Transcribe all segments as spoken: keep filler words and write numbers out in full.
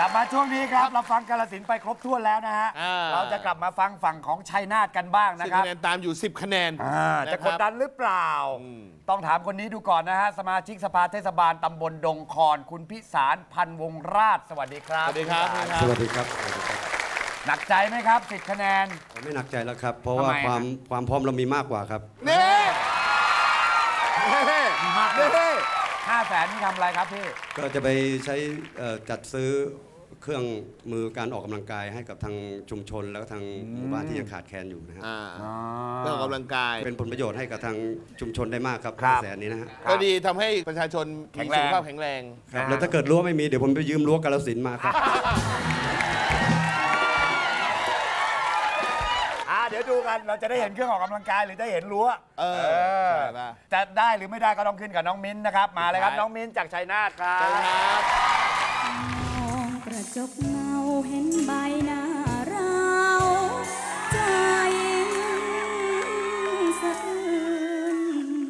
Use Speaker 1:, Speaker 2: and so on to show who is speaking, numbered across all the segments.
Speaker 1: ลับมาช่วงนี้ครับเราฟังกาฬสินธุ์ไปครบถ้วนแล้วนะฮะเราจะกลับมาฟังฝั่งของชัยนาทกันบ้างนะครับ
Speaker 2: คะแนนตามอยู่สิบคะแนน
Speaker 1: จะกดดันหรือเปล่าต้องถามคนนี้ดูก่อนนะฮะสมาชิกสภาเทศบาลตำบลดงคอนคุณพิสารพันวงราชสวัสดีครับ
Speaker 2: สวัสดีครับ
Speaker 3: สวัสดีครับ
Speaker 1: หนักใจไหมครับสิบคะแนน
Speaker 3: ไม่หนักใจแล้วครับเพราะว่าความความพร้อมเรามีมากกว่าครับ
Speaker 2: นี่
Speaker 1: มีมากเลยห้าแสนนี่ทำอะไรครับพี่
Speaker 3: ก็จะไปใช้จัดซื้อเครื่องมือการออกกำลังกายให้กับทางชุมชนแล้วก็ทางหมู่บ้านที่ยังขาดแคลนอยู่นะฮะ
Speaker 2: เครื่องออกกำลังกาย
Speaker 3: เป็นผลประโยชน์ให้กับทางชุมชนได้มากครับห้าแสนนี้นะฮะ
Speaker 2: ก็ดีทำให้ประชาชนมีสุขภาพแข็งแรง
Speaker 3: แล้วถ้าเกิดรั้วไม่มีเดี๋ยวผมไปยืมรั้วกาฬสินธุ์มาครับ
Speaker 1: เดี๋ยวดูกันเราจะได้เห็นเครื่องออกกำลังกายหรือได้เห็นรั้ว
Speaker 2: เออ
Speaker 1: จะได้หรือไม่ได้ก็ต้องขึ้นกับน้องมิ้นนะครับมาเลยครับน้องมิ้นจากชัยนาทครับ
Speaker 4: มองกระจกเงาเห็นใบหน้าเราใจสะอื้น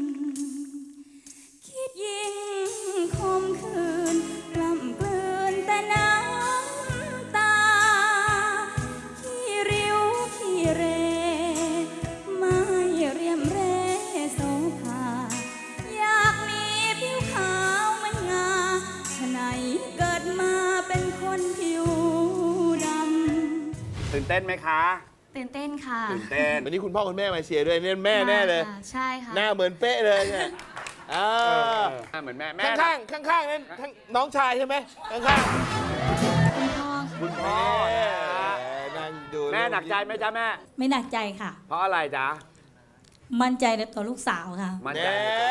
Speaker 4: คิดยิ่งคมคืนกล่ำกลืนแต่น้ำตาขี้ริ้วขี้เรไม่เรียมเรโสภาอยากมีผิวขาวเหมือนงาฉะไหนเกิดมาเป็นคนผิวดำ
Speaker 1: ตื่นเต้นไหมคะ
Speaker 4: ตื่นเต้นค่ะ
Speaker 1: ตื่นเต้น
Speaker 2: วันนี้คุณพ่อคุณแม่มาเชียร์ด้วยเนี่ยแม่แน่เลย
Speaker 4: ใช่ค่ะ
Speaker 2: หน้าเหมือนเป๊ะเลยเนี่ย
Speaker 1: เหมือนแม่แม่
Speaker 2: ข้างข้างข้างนั้นน้องชายใช่ไหมข้างข้าง
Speaker 4: คุณพ่อ
Speaker 1: คุณพ่อ
Speaker 2: นั่งดู
Speaker 1: แม่หนักใจไหมจ๊ะแม่
Speaker 4: ไม่หนักใจค่ะ
Speaker 1: เพราะอะไรจ๊ะ
Speaker 4: มั่นใจในตัวลูกสาวค่ะ
Speaker 1: มั่นใจ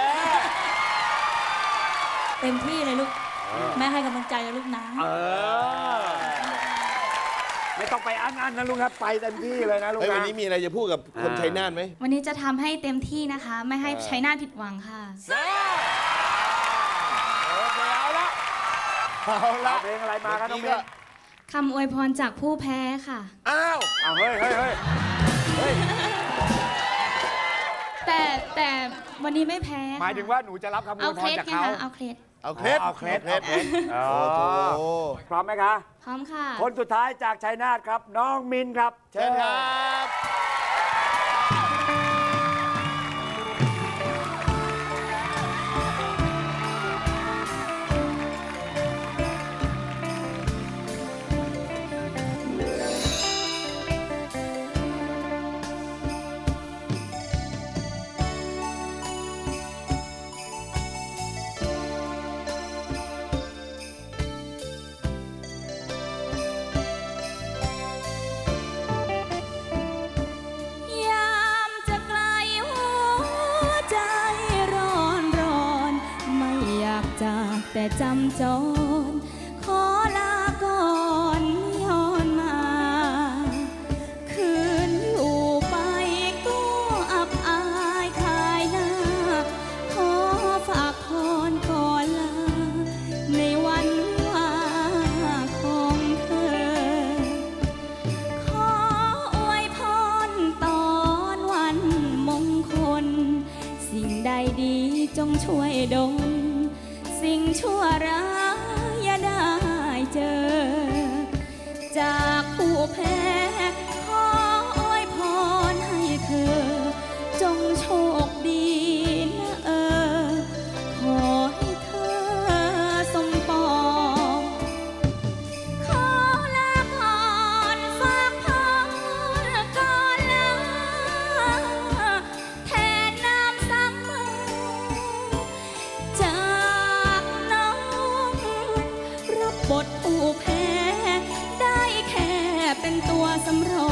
Speaker 4: เต็มที่เลยลูกแม่ให้กำลังใจนะลูกนะ
Speaker 1: เออไม่ต้องไปอันอันนะลูกครับไปเต็มที่เลยนะลูกนะ
Speaker 2: วันนี้มีอะไรจะพูดกับคนชัยนาทไหม
Speaker 4: วันนี้จะทำให้เต็มที่นะคะไม่ให้ชัยนาทผิดหวังค่ะ
Speaker 1: โอเคเอาละเอาละเพลงอะไรมาครับน้องมิ้น
Speaker 4: คำอวยพรจากผู้แพ้ค่ะ
Speaker 1: อ้าวอ้าวเฮ้ยเฮ้ยเฮ้ยเฮ้ย
Speaker 4: แต่แต่วันนี้ไม่แพ้
Speaker 1: หมายถึงว่าหนูจะรับคำอวยพรจากเขา
Speaker 4: เอาเคล็ด
Speaker 2: เอาเคล็ด
Speaker 1: เอาเคล็ดเอาเคล็ดพร้อมไหมคะ
Speaker 4: พร้อมค่ะ
Speaker 1: คนสุดท้ายจากชัยนาทครับน้องมินครับ
Speaker 2: เชิญครับ
Speaker 4: แต่จำจรขอลาก่อนย้อนมาคืนอยู่ไปก็อับอายขายหน้าขอฝากพรก่อนลาในวันว่าของเธอขออวยพรตอนวันมงคลสิ่งใดดีจงช่วยดลสิ่งชั่วร้ายอย่าได้เจอจากผู้แพ้ขออวยพรให้เธอจงโชคดีนะเออขอให้เธอสมปองขอลาก่อนฝากพรก่อนลาแทนน้ำซ้ำมือบทผู้แพ้ได้แค่เป็นตัวสำรอง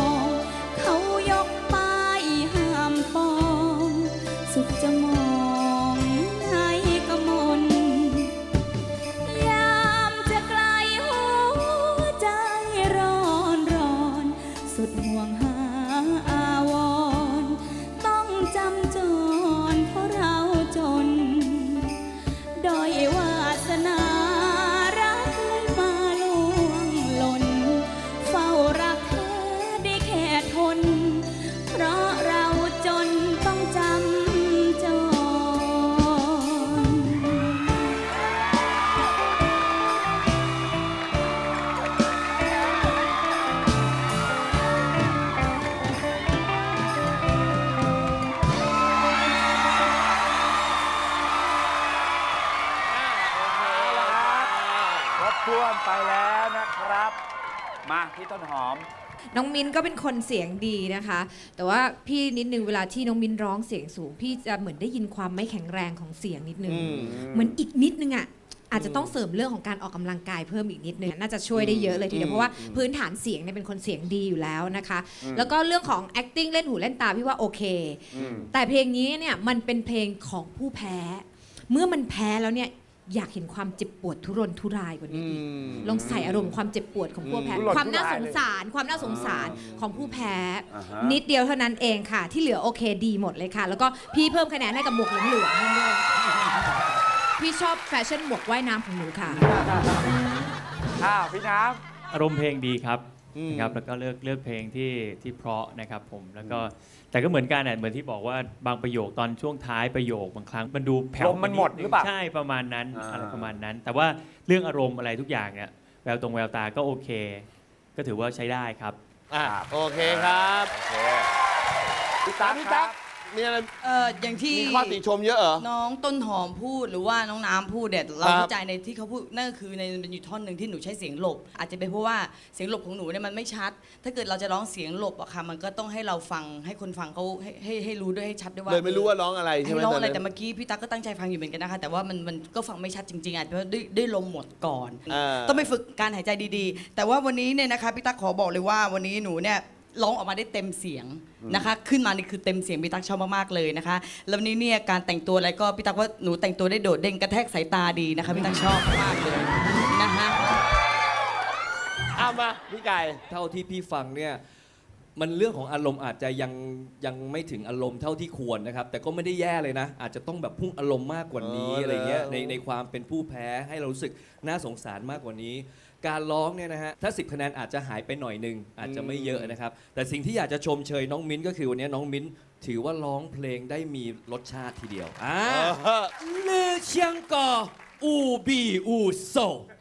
Speaker 1: ท่วมไปแล้วนะครับ มาพี่ต้นหอม
Speaker 5: น้องมิ้นก็เป็นคนเสียงดีนะคะ แต่ว่าพี่นิดนึงเวลาที่น้องมิ้นร้องเสียงสูง พี่จะเหมือนได้ยินความไม่แข็งแรงของเสียงนิดนึง เหมือนอีกนิดนึงอ่ะอาจจะต้องเสริมเรื่องของการออกกำลังกายเพิ่มอีกนิดนึงน่าจะช่วยได้เยอะเลยทีเดียวเพราะว่าพื้นฐานเสียงเนี่ยเป็นคนเสียงดีอยู่แล้วนะคะ แล้วก็เรื่องของ acting เล่นหูเล่นตาพี่ว่าโอเค แต่เพลงนี้เนี่ยมันเป็นเพลงของผู้แพ้ เมื่อมันแพ้แล้วเนี่ยอยากเห็นความเจ็บปวดทุรนทุรายกว่านี้อีกลองใส่อารมณ์ความเจ็บปวดของผู้แพ้
Speaker 1: ทุรนทุราย
Speaker 5: ความน่าสงสารความน่าสงสารของผู้แพ้
Speaker 1: อ่าฮะ
Speaker 5: นิดเดียวเท่านั้นเองค่ะ ที่เหลือโอเคดีหมดเลยค่ะ แล้วก็พี่เพิ่มคะแนนให้กับหมวกเหลืองๆให้ด้วยพี่ชอบแฟชั่นหมวกว่ายน้ำของหนูค่ะ
Speaker 1: อ้าวพี่น้
Speaker 6: อารมณ์เพลงดีครับนะครับแล้วก็เลือกเลือกเพลงที่ที่เพราะนะครับผมแล้วก็แต่ก็เหมือนกันอ่ะเหมือนที่บอกว่าบางประโยคตอนช่วงท้ายประโยคบางครั้งมันดูแผ่
Speaker 1: ล
Speaker 6: ว
Speaker 1: มมันหมดหรือเปล่า
Speaker 6: ใช่ประมาณนั้น
Speaker 1: อ่า
Speaker 6: อะไรประมาณนั้น แต่ว่าเรื่องอารมณ์อะไรทุกอย่างเนี่ยแววตรงแววตาก็โอเค ก็ถือว่าใช้ได้ครับ
Speaker 2: อ่ะโอเคครับ
Speaker 1: ำโอเคพี่ตั๊ก
Speaker 2: พี่
Speaker 1: ค
Speaker 2: ตั๊
Speaker 1: รั
Speaker 2: ก
Speaker 1: บ
Speaker 2: มีอะไร
Speaker 7: เอออย่างที่
Speaker 2: มีข้อติชมเยอะเหรอ
Speaker 7: น้องต้นหอมพูดหรือว่าน้องน้ำพูดเนี่ยเรา
Speaker 2: ครับ
Speaker 7: เข้าใจในที่เขาพูดนั่นก็คือในมันอยู่ท่อนหนึ่งที่หนูใช้เสียงหลบ อาจจะเป็นเพราะว่าเสียงหลบของหนูเนี่ยมันไม่ชัด ถ้าเกิดเราจะร้องเสียงหลบอะค่ะมันก็ต้องให้เราฟังให้คนฟังเขาให้ให้ให้รู้ด้วยให้ชัดด้วยว่า
Speaker 2: เลยไม่รู้ว่าร้องอะไรใช่ไหม
Speaker 7: ให้ร้อง
Speaker 2: ตอน
Speaker 7: อะไร
Speaker 2: นั้น
Speaker 7: แต่เมื่อกี้พี่ตั๊กก็ตั้งใจฟังอยู่เหมือนกันนะคะแต่ว่ามันมันก็ฟังไม่ชัดจริงๆอาจจะเพราะด้วยด้วยลมหมดก่อน
Speaker 2: อ่า
Speaker 7: ต้องไปฝึกการหายใจดีๆ แต่ว่าวันนี้เนี่ยนะคะพี่ตั๊กขอบอกเลยว่าวันนี้หนูเนี่ยร้องออกมาได้เต็มเสียงนะคะ ขึ้นมานี่คือเต็มเสียงพี่ตั๊กชอบมากๆเลยนะคะ แล้ววันนี้เนี่ยการแต่งตัวอะไรก็พี่ตั๊กว่าหนูแต่งตัวได้โดดเด่นกระแทกสายตาดีนะคะพี่ตั๊กชอบมากเลยนะคะ
Speaker 2: เอามาพี่ไก่
Speaker 8: เท่าที่พี่ฟังเนี่ยมันเรื่องของอารมณ์อาจจะยังยังไม่ถึงอารมณ์เท่าที่ควรนะครับแต่ก็ไม่ได้แย่เลยนะ อาจจะต้องแบบพุ่งอารมณ์มากกว่านี้
Speaker 2: เอออ
Speaker 8: อะไรเงี้ย
Speaker 2: แล้ว
Speaker 8: ในในความเป็นผู้แพ้ให้เรารู้สึกน่าสงสารมากกว่านี้ การร้องเนี่ยนะฮะถ้าสิบคะแนนอาจจะหายไปหน่อยหนึงอาจจะไม่เยอะนะครับแต่สิ่งที่อยากจะชมเชยน้องมิ้นก็คือวันนี้น้องมิ้นถือว่าร้องเพลงได้มีรสชาติทีเดียวอ่า
Speaker 2: เออ
Speaker 8: ลือเชียงกออูบีอูโซ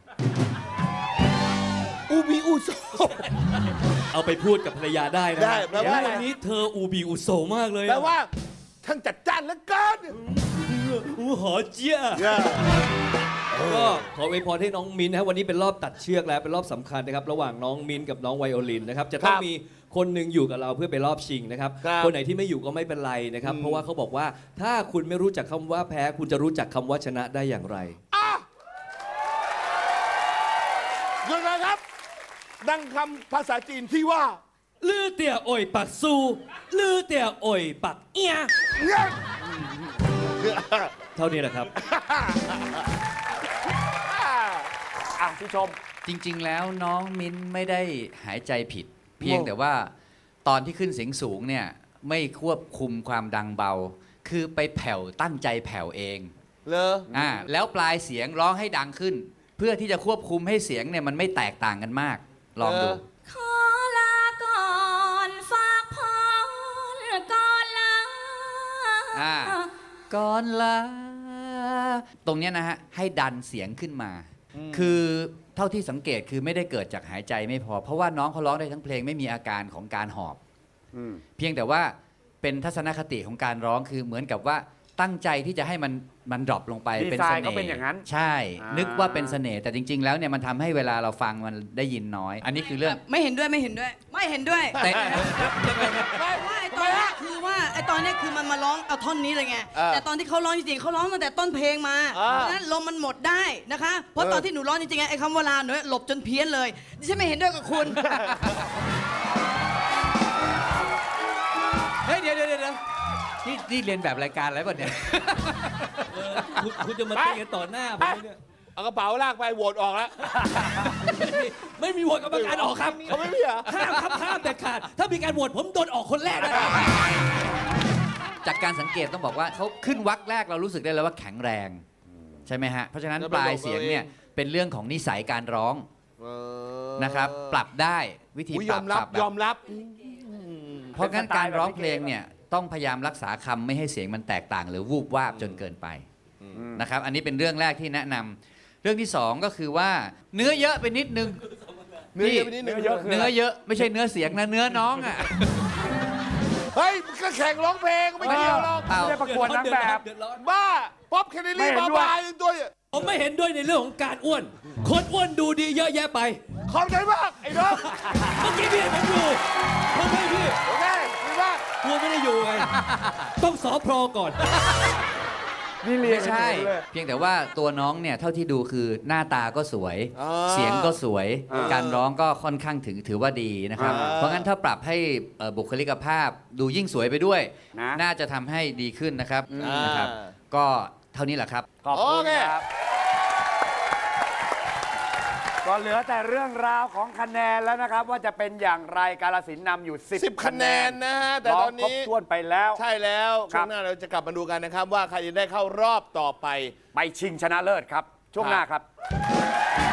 Speaker 2: อูบีอูโซ
Speaker 8: เอาไปพูดกับภรรยาได้นะ
Speaker 2: ได้แปลว่าอะไร
Speaker 8: วันนี้เธออูบีอูโซมากเลยอะ
Speaker 2: แปลว่าทั้งจัดจ้านเหลือเกิน
Speaker 8: อูหอเจี๊ยก็ขออวยพรให้น้องมิ้นนะครับวันนี้เป็นรอบตัดเชือกแล้วเป็นรอบสำคัญนะครับระหว่างน้องมิ้นกับน้องไวโอลินนะครับจะต้อง
Speaker 2: ครับ
Speaker 8: มีคนหนึ่งอยู่กับเราเพื่อไปรอบชิงนะครับ
Speaker 2: ครับ
Speaker 8: คนไหนที่ไม่อยู่ก็ไม่เป็นไรนะครับ
Speaker 2: อืม
Speaker 8: เพราะว่าเขาบอกว่าถ้าคุณไม่รู้จักคำว่าแพ้ คุณจะรู้จักคำว่าชนะได้อย่างไร
Speaker 2: หยุดนะครับ ดังคำภาษาจีนที่ว่า
Speaker 8: ลือเตี่ยอ่อยปักซูลือเตี่ยอ่อยปักเอีย
Speaker 2: เนี่ย
Speaker 8: เท่านี้แหละครับ
Speaker 1: อ่ะพี่ชม
Speaker 9: จริงๆ แล้วน้องมิ้นไม่ได้หายใจผิด เพียงแต่ว่าตอนที่ขึ้นเสียงสูงเนี่ยไม่ควบคุมความดังเบา คือไปแผ่วตั้งใจแผ่วเอง
Speaker 2: เลอ
Speaker 9: อ่าแล้วปลายเสียงร้องให้ดังขึ้น เพื่อที่จะควบคุมให้เสียงเนี่ยมันไม่แตกต่างกันมาก ลองดู
Speaker 4: ขอลาก่อนฝากพรก่อนลา
Speaker 9: อ่า ก่อนลาตรงเนี้ยนะฮะให้ดันเสียงขึ้นมา คือเท่าที่สังเกตคือไม่ได้เกิดจากหายใจไม่พอ เพราะว่าน้องเขาร้องได้ทั้งเพลงไม่มีอาการของการหอบ เพียงแต่ว่าเป็นทัศนคติของการร้องคือเหมือนกับว่าตั้งใจที่จะให้มันมันดรอปลงไป
Speaker 1: ดี
Speaker 9: เป็น
Speaker 1: ไซ
Speaker 9: เส
Speaker 1: น์
Speaker 9: น่
Speaker 1: ก็
Speaker 9: ห์
Speaker 1: เป็นอย่างนั้น
Speaker 9: ใช่
Speaker 1: อ่านึ
Speaker 9: นึกว่าเป็นเสน่ห์แต่จริง ๆ แล้วเนี่ยมันทำให้เวลาเราฟังมันได้ยินน้อย อันนี้คือเรื่อง
Speaker 7: ไม่เห็นด้วยไม่เห็นด้วย ไม่เห็นด้วย
Speaker 9: แต่
Speaker 7: ว่าไอ้ตอนเนี้ยคือว่าไอ้ตอนเนี้ยคือมันมาร้องเอาท่อนนี้เลยไง
Speaker 2: เออ
Speaker 7: แต่ตอนที่เขาร้องจริงๆเขาร้องตั้งแต่ต้นเพลงมา
Speaker 2: เออ
Speaker 7: เพราะฉะนั้นลมมันหมดได้นะคะ เพราะ
Speaker 2: เออ
Speaker 7: ตอนที่หนูร้องจริงๆไอ้คำว่าลาหนูหลบจนเพี้ยนเลยดิฉันไม่เห็นด้วยกับคุณ
Speaker 9: เฮ้ยเดี๋ยวเดี๋ยวเดี๋ยวนี่นี่เรียนแบบรายการอะไรป่ะเนี่ย
Speaker 8: เออคุณคุณจะมาตีกันต่อหน้าผมเนี่ย
Speaker 2: เอากระเป๋าลากไปโหวตออกแล้ว
Speaker 8: ไม่มีโหวตกรรมการออกครับ
Speaker 2: เขาไม่มีเหรอ
Speaker 8: ห้ามครับห้ามเด็ดขาดถ้ามีการโหวตผมโดนออกคนแรกนะครับ
Speaker 9: จากการสังเกตต้องบอกว่าเขาขึ้นวักแรกเรารู้สึกได้เลยว่าแข็งแรง ใช่ไหมฮะ เพราะฉะนั้น
Speaker 2: แล้ว
Speaker 9: ป
Speaker 2: ไป
Speaker 9: ลาย
Speaker 2: หลบ
Speaker 9: เสียง
Speaker 2: เอาเอง
Speaker 9: เนี่ยเป็นเรื่องของนิสัยการร้อง
Speaker 2: เออ
Speaker 9: นะครับ ปรับได้วิธี
Speaker 2: อุ๊ย
Speaker 9: ป
Speaker 2: ย
Speaker 9: รั
Speaker 2: อบ มรับ
Speaker 9: ปรับแบบ
Speaker 2: ยอมรับ
Speaker 9: เพราะงั้น
Speaker 1: เป็นสไตล์
Speaker 9: การร้อง
Speaker 1: แบบพี่
Speaker 9: เพลงเนี่ยต้องพยายามรักษาคำไม่ให้เสียงมันแตกต่าง หรือวูบวาบจนเกินไปนะครับ อันนี้เป็นเรื่องแรกที่แนะนำเรื่องที่สองก็คือว่าเนื้อเยอะไปนิดนึง
Speaker 2: เนื้อเยอะไปนิดนึง
Speaker 1: เนื้อเยอะคือ
Speaker 9: เนื้อเยอะไม่ใช่เนื้อเสียงนะเนื้อน้องอ่ะ
Speaker 2: เฮ้ยมันก็แข่งร้องเพลงไม่เกี่ยวหรอก
Speaker 9: เปล่า
Speaker 1: ไม่ได้ประกวดนางแบบ
Speaker 8: เดือดร้อน
Speaker 2: บ้า ป๊อปแคนเนลลี่
Speaker 1: ไม่เห็น
Speaker 2: บา
Speaker 1: ด้วย
Speaker 2: บายตัว
Speaker 8: ผมไม่เห็นด้วยในเรื่องของการอ้วน คนอ้วนดูดีเยอะแยะไป
Speaker 2: ขอบใจมากไอ้น้อง
Speaker 8: เมื่อกี้พี่เห็นผมอยู่ผมให้พี่
Speaker 2: โอเคดีมาก
Speaker 8: กลัวไม่ได้อยู่ไง ต้องสอพรก่อน
Speaker 1: นี่เรียน
Speaker 9: ไม่ใช่ เพียงแต่ว่าตัวน้องเนี่ยเท่าที่ดูคือหน้าตาก็สวย
Speaker 2: อ่า
Speaker 9: เสียงก็สวย
Speaker 2: อ่า
Speaker 9: การร้องก็ค่อนข้างถึงถือว่าดีนะครับ
Speaker 2: อ่า
Speaker 9: เพราะงั้นถ้าปรับให้เอ่อบุคลิกภาพดูยิ่งสวยไปด้วย
Speaker 1: นะ
Speaker 9: น่าจะทำให้ดีขึ้นนะครับ
Speaker 2: อ่าน
Speaker 9: นะครับ ก็เท่านี้แหละครับ
Speaker 1: ขอบคุณ
Speaker 2: โอเค
Speaker 1: ครับ ก็เหลือแต่เรื่องราวของคะแนนแล้วนะครับ ว่าจะเป็นอย่างไรกาฬสินธุ์นำอยู่
Speaker 2: สิบ
Speaker 1: สิบ
Speaker 2: คะแนนนะฮะแต่
Speaker 1: ร้
Speaker 2: ต
Speaker 1: อ
Speaker 2: อง น
Speaker 1: ครบ
Speaker 2: นี้
Speaker 1: ถ้วนไปแล้ว
Speaker 2: ใช่แล้ว
Speaker 1: ครั
Speaker 2: ช่ว
Speaker 1: บ
Speaker 2: งหน้าเราจะกลับมาดูกันนะครับ ว่าใครจะได้เข้ารอบต่อไป
Speaker 1: ไปชิงชนะเลิศครับ ช่วงหน้าครับ